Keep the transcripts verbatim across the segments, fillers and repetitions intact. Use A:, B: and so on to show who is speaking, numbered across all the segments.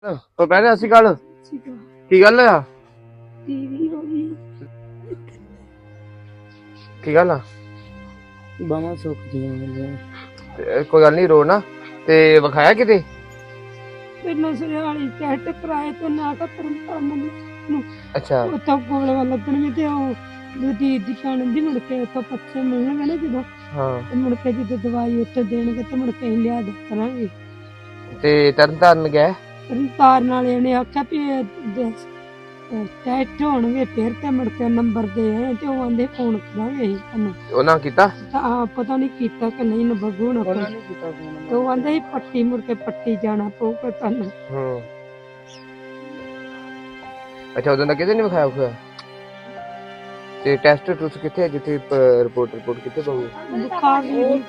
A: तो पहले अस्सी गल की गल है की गल
B: बामा सुख दी
A: कोई गल नहीं रो ना ते विखाया किते
C: ਪਹਿਲਾਂ ਸਰਿਆਲੀ ਟੈਸਟ ਕਰਾਏ ਤੇ ਨਾ ਕਾ ਤਰਮ ਕਰਨ ਨੂੰ
A: अच्छा
C: ਉੱਥੋਂ ਕੋਲ ਵੱਲ ਲੱਗਣਗੇ ਤੇ ਉਹ ਦੂਜੀ ਦੀ ਭੈਣ ਦੀ ਮੁੜ ਕੇ ਉੱਥੋਂ ਪੱਛੇ ਮਿਲਣਗੇ ਨਾ ਜਦੋਂ
A: हाँ
C: ਤੇ ਮੁੜ ਕੇ ਜਦੋਂ ਦਵਾਈ ਉੱਥੇ ਦੇਣਗੇ ਤੇ ਮੁੜ ਕੇ ਅਸੀਂ ਲਿਆ ਦੇ ਕਰਾਂਗੇ
A: ते तरन तारन गए
C: ਤਾਰ ਨਾਲ ਇਹਨੇ ਆਖਿਆ ਵੀ ਟੈਸਟ ਹੋਣਗੇ ਫਿਰ ਤੇ ਮੁੜ ਕੇ ਨੰਬਰ ਦੇ ਆਏ ਤੇ ਉਹ ਆਂਦੇ ਫੋਨ ਕਰਾਂਗੇ ਅਸੀਂ ਤੁਹਾਨੂੰ
A: ਉਹਨਾਂ ਕੀਤਾ
C: ਤਾਂ ਪਤਾ ਨਹੀਂ ਕੀਤਾ ਕਿ ਨਹੀਂ ਨਾ ਬੱਗੂ ਨਾ
B: ਉਹਨਾਂ ਨੇ ਕੀਤਾ ਫੋਨ
C: ਤੇ ਉਹ ਆਂਦੇ ਸੀ ਪੱਟੀ ਮੁੜ ਕੇ ਪੱਟੀ ਜਾਣਾ ਪਊਗਾ ਤੁਹਾਨੂੰ
A: ਹੂੰ ਅੱਛਾ ਉਦੋਂ ਦਾ ਕਿਤੇ ਨਹੀਂ ਵਿਖਾਇਆ ਹੋਇਆ ਤੇ ਟੈਸਟ ਟੂਸ ਕਿੱਥੇ ਜਿੱਥੇ ਰਿਪੋਰਟ ਰਿਪੋਰਟ ਕਿੱਥੇ ਪਾਉਗੀ
C: ਬੁਖਾਰ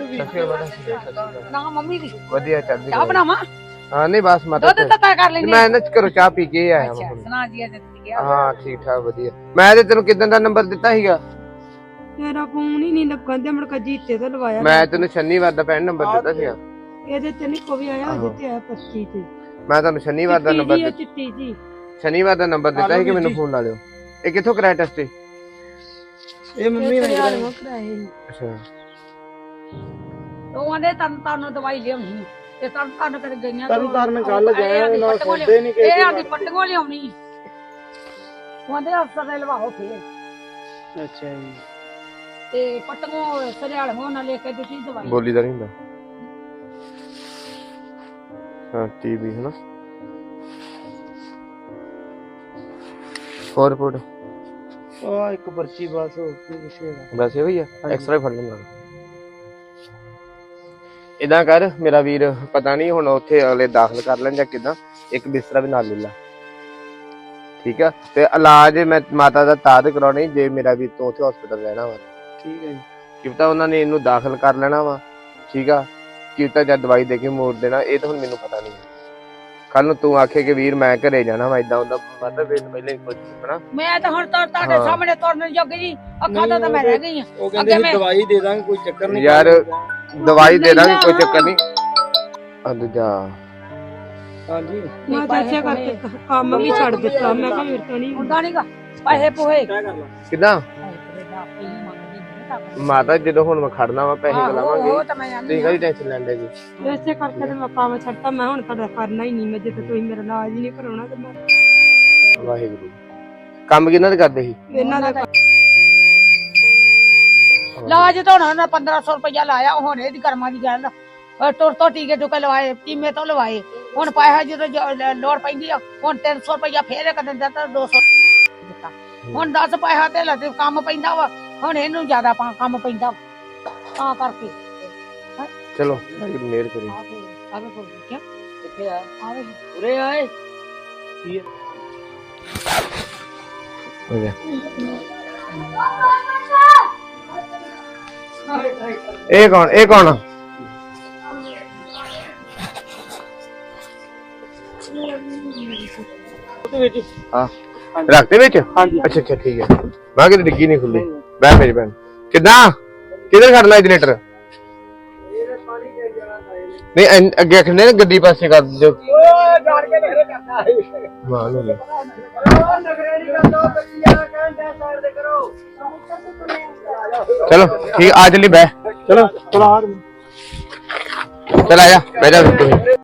D: ਨਾ ਮੰਮੀ ਦੀ
A: ਵਧੀਆ ਚੱਲਦੀ
D: ਚਾਹ ਬਣਾਵਾਂ
A: ਹਾਂ ਨਹੀਂ ਬਸ ਮਾਤਾ
D: ਦੁੱਧ ਤਾਂ ਕਰ ਲੈਣੀ
A: ਮੈਂ ਇਹਨਾਂ ਚ ਘਰੋਂ ਚਾਹ ਪੀ ਕੇ ਆਇਆ
D: ਅੱਛਾ
A: ਹਾਂ
D: ਸੁਣਾ ਜੀ ਅੱਜ ਗਿਆ
A: ਹਾਂ ਠੀਕ ਠਾਕ ਵਧੀਆ ਮੈਂ ਤੇ ਤੈਨੂੰ ਕਿਦਾਂ ਦਾ ਨੰਬਰ ਦਿੱਤਾ ਸੀਗਾ
C: ਮੇਰਾ ਫੋਨ ਹੀ ਨਹੀਂ ਲੱਗਣ ਤੇ ਮੁੜ ਕੇ ਜੀਤੇ ਤੋਂ ਲਵਾਇਆ
A: ਮੈਂ ਤੈਨੂੰ ਸ਼ਨੀਵਾਰ ਦਾ ਪੈਨ ਨੰਬਰ ਦਿੱਤਾ ਸੀਗਾ
C: ਇਹਦੇ ਤੇ ਨਹੀਂ ਕੋਈ ਆਇਆ ਜਿੱਤੇ ਆ ਪੱਚੀ ਤੇ
A: ਮੈਂ ਤੁਹਾਨੂੰ ਸ਼ਨੀਵਾਰ ਦਾ ਨੰਬਰ ਦਿੱਤਾ
C: ਚਿੱਟੀ ਜੀ
A: ਸ਼ਨੀਵਾਰ ਦਾ ਨੰਬਰ ਦਿੱਤਾ ਸੀ ਕਿ ਮੈਨੂੰ ਫੋਨ ਲਾ ਲਿਓ ਇਹ ਕਿੱਥੋਂ ਕਰਾਇਆ ਟੈਸਟ
B: ਇਹ ਮੰਮੀ ਨੇ
C: ਕਰਾਇਆ ਕਰਾਏ
A: ਅੱਛਾ
D: ਉਹ ਆਂਦੇ ਤਨ ਤਨ ਦਵਾਈ ਲਿਆਉਣੀ ਤੇ ਤਨ ਤਨ ਕਰ ਗਈਆਂ
B: ਤਨ ਤਨ ਗੱਲ ਗਏ ਨਾ ਸੁਣਦੇ ਨਹੀਂ ਕਿ
D: ਇਹ ਆਂਦੀ ਪੱਟੀਆਂ ਲਿਆਉਣੀ ਉਹ ਆਂਦੇ ਅਫਸਰ ਦੇ ਲਵਾਓ ਫੇਰ
B: ਅੱਛਾ ਜੀ
D: ਤੇ ਪੱਟੀਆਂ ਸਰਿਆਲ ਹੋਣ ਨਾਲ ਲੈ ਕੇ ਦਿੱਤੀ ਦਵਾਈ
A: ਬੋਲੀ ਦਾ ਨਹੀਂ ਹੁੰਦਾ ਹਾਂ ਟੀਵੀ ਹੈ ਨਾ ਹੋਰ ਰਿਪੋਰਟ
B: ਆ ਇੱਕ ਪਰਚੀ ਬਸ ਹੋ ਕੇ ਵਿਸ਼ੇ
A: ਬਸ ਇਹੋ ਹੀ ਆ ਐਕਸਟਰਾ ਫੜ ਲੈਣਾ ਇਦਾਂ ਕਰ ਮੇਰਾ ਵੀਰ ਪਤਾ ਨਹੀਂ ਹੁਣ ਉੱਥੇ ਅਗਲੇ ਦਾਖਲ ਕਰ ਲੈਣ ਜਾਂ ਕਿਦਾਂ ਇੱਕ ਬਿਸਤਰਾ ਵੀ ਨਾਲ ਲੈ ਲਾ ਠੀਕ ਆ ਤੇ ਇਲਾਜ ਮੈਂ ਮਾਤਾ ਦਾ ਤਾਦ ਕਰਾਉਣੀ ਜੇ ਮੇਰਾ ਵੀਰ ਤੋਂ ਉੱਥੇ ਹਸਪੀਟਲ ਰਹਿਣਾ ਵਾ
B: ਠੀਕ ਹੈ ਜੀ
A: ਕੀ ਪਤਾ ਉਹਨਾਂ ਨੇ ਇਹਨੂੰ ਦਾਖਲ ਕਰ ਲੈਣਾ ਵਾ ਠੀਕ ਆ ਕੀ ਪਤਾ ਜਦ ਦਵਾਈ ਦੇ ਕੇ ਮੋੜ ਦੇਣਾ ਇਹ ਤਾਂ ਹੁਣ ਮੈਨੂੰ ਪਤਾ ਨਹੀਂ ਕੱਲ ਨੂੰ ਤੂੰ ਆਖੇ ਕਿ ਵੀਰ ਮੈਂ ਘਰੇ ਜਾਣਾ ਵਾ ਇਦਾਂ ਹੁੰਦਾ ਮਤਲਬ ਵੇਲ ਪਹਿਲੇ ਕੁਝ ਹਨਾ
D: ਮੈਂ ਤਾਂ ਹੁਣ ਤਾਂ ਤੁਹਾਡੇ ਸਾਹਮਣੇ ਤੁਰਨ ਜੋਗੀ ਜੀ ਅੱਖਾਂ ਤੋਂ ਤਾਂ ਮੈਂ ਰਹਿ ਗਈ ਆ
B: ਉਹ ਕਹਿੰਦੇ ਸੀ ਦਵਾਈ ਦੇ ਦਾਂਗੇ ਕੋਈ ਚੱਕਰ ਨਹੀਂ
A: ਯਾਰ ਦਵਾਈ ਦੇ ਦਾਂਗੇ ਕੋਈ ਚੱਕਰ ਨਹੀਂ ਅੰਦ ਜਾ
B: ਹਾਂਜੀ
C: ਮੈਂ ਤਾਂ ਇੱਥੇ ਕਰਕੇ ਕੰਮ ਵੀ ਛੱਡ ਦਿੱਤਾ ਮੈਂ ਕਿਹਾ ਮੇਰੇ ਤੋਂ ਨਹੀਂ
D: ਹੁੰਦਾ ਨਹੀਂਗਾ ਪੈਸੇ ਪੋਹੇ
B: ਕੀ ਕਰ ਲਾ
A: ਕਿਦਾਂ ਮਾਤਾ ਜਦੋਂ ਹੁਣ ਮੈਂ ਖੜਨਾ ਵਾ ਪੈਸੇ
D: ਉਹ
A: ਕਲਾਵਾਂਗੇ
D: ਤਾਂ ਮੈਂ ਆਂਦੀ
A: ਤੁਸੀਂ ਕਾਹਦੀ ਟੈਨਸ਼ਨ ਲੈਂਦੇ ਜੀ
C: ਇਸੇ ਕਰਕੇ ਤੇ ਮੈਂ ਕੰਮ ਛੱਡਤਾ ਮੈਂ ਹੁਣ ਤੁਹਾਡਾ ਕਰਨਾ ਹੀ ਨਹੀਂ ਮੈਂ ਜਿੱਥੇ ਤੁਸੀਂ ਮੇਰਾ ਇਲਾਜ ਹੀ ਨਹੀਂ ਕਰਾਉਣਾ ਤੇ ਮੈਂ
A: ਵਾਹਿਗੁਰੂ ਕੰਮ ਕਿਹਨਾਂ ਦੇ ਕਰਦੇ ਸੀ
C: ਇਹਨਾਂ ਦਾ
D: ਲਾਜ ਤਾਂ ਉਹਨਾਂ ਪੰਦਰਾਂ ਸੌ ਰੁਪਇਆ ਲਾਇਆ ਹੁਣ ਇਹਦੀ ਕਰਮਾਂ ਦੀ ਗੱਲ ਤੁਰ ਤੋਂ ਟੀਕੇ ਟੁਕੇ ਲਵਾਏ ਟੀਮੇ ਤੋਂ ਲਵਾਏ ਹੁਣ ਪੈਸਾ ਜਦੋਂ ਜ- ਲੋੜ ਪੈਂਦੀ ਆ ਹੁਣ ਤਿੰਨ ਸੌ ਰੁਪਇਆ ਫੇਰ ਇੱਕ ਦਿਨ ਦਿੱਤਾ ਦੋ ਸੌ ਦਿੱਤਾ ਹੁਣ ਦਸ ਪੈਸਾ ਤੇ ਲੱਗੇ ਕੰਮ ਪੈਂਦਾ ਵਾ ਹੁਣ ਇਹਨੂੰ ਜ਼ਿਆਦਾ ਪਾ- ਕੰਮ ਪੈਂਦਾ ਤਾਂ ਕਰਕੇ
A: ਚਲੋ ਵਾਹਿਗੁਰੂ ਮਿਹਰ ਕਰੀ
D: ਆਵੇ ਕੋਲ ਕਿਆ
B: ਕਿੱਥੇ ਆ
D: ਆਵੇ
B: ਉਰੇ ਆਏ ਕੀ ਹੈ
A: ਹੋ ਗਿਆ ਇਹ ਕੌਣ ਇਹ ਕੌਣ
B: ਉਹਦੇ ਵਿੱਚ
A: ਹਾਂ ਰੱਖਦੇ ਵਿੱਚ
B: ਹਾਂਜੀ
A: ਅੱਛਾ ਅੱਛਾ ਠੀਕ ਹੈ ਮੈਂ ਕਿਤੇ ਡਿੱਗੀ ਨਹੀਂ ਖੁੱਲੀ ਬਹਿ ਮੇਰੀ ਭੈਣ ਕਿੱਦਾਂ ਕਿੱਧਰ ਖੜਨਾ ਇਹ ਜਨਰੇਟਰ ਨਹੀਂ ਐਨ- ਅੱਗੇ ਰੱਖਣੇ ਨਾ ਗੱਡੀ ਪਾਸੇ ਕਰ ਦਿਓ
B: ਓਏ ਜਾਣ ਕੇ ਨਖਰੇ ਕਰਦਾ
A: ਮਾਂ ਨੂੰ ਲੈ।
B: ਓ ਨਖਰੇ ਨਹੀਂ ਕਰਦਾ ਬੱਚਿਆਂ ਕਹਿੰਦੇ ਸਾਈਡ ਦੇ ਕਰੋ
A: ਚਲੋ ਠੀਕ ਆ ਚਲੀ ਬਹਿ
B: ਚਲੋ ਚਲਾ
A: ਚਲ ਆ ਜਾ ਬਹਿ ਜਾ ਤੂੰ